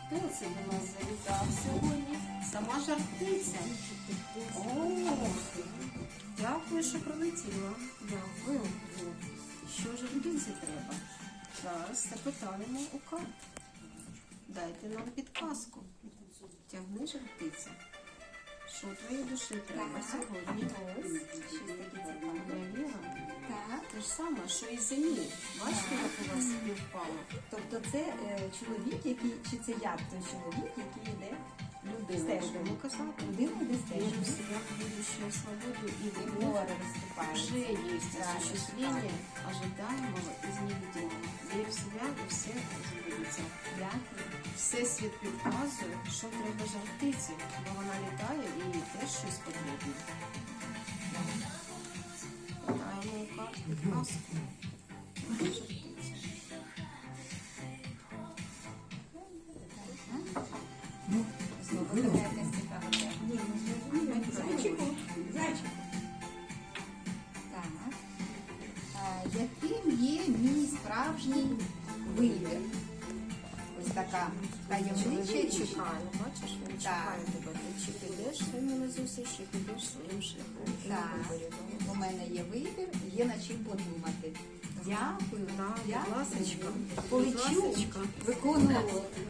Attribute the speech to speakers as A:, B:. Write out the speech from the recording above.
A: Хто це до нас завітав сьогодні? Сама жар-птиця. О, дякую, що прилетіла. Дякую. Що жар-птиці треба? Зараз запитаємо у карт. Дайте нам підказку. Тягни жар-птиця. Що твоїй душі треба сьогодні? Я віра.
B: Так.
A: Те ж саме, що і землі. Бачите, як у вас співпало?
B: Тобто це чоловік, який, чи це я той чоловік, який йде
A: Людина, будемо казати.
B: людина йде
A: Вірю в
B: стежкою.
A: себя, в будущую свободу и
B: І
A: любовь.
B: море виступає.
A: Уже есть осуществление ожидаемого из невидимого. Вірю в себя і все збудеться.
B: Дякую.
A: Всесвіт підказує, що треба жар-птиці, бо вона літає і їй теж щось потрібно. Питаємо у карт підказку. Жар-птиця.
B: Знову така якась цікава тема. Зайчику. Зайчику. Так. Яким є мій справжній вибір? Ось така таємнича
A: Чоловік
B: річ.
A: чекає, бачиш, він чекає тебе. Ти чи підеш своїм назусі, чи підеш своїм шляхом. Ти на
B: Так.
A: виборі.
B: У мене є вибір, є над чим подумати. Дякую.
A: Так, будь
B: Дякую.
A: ласочка.
B: Полечу
A: Будь ласочка.
B: виконувати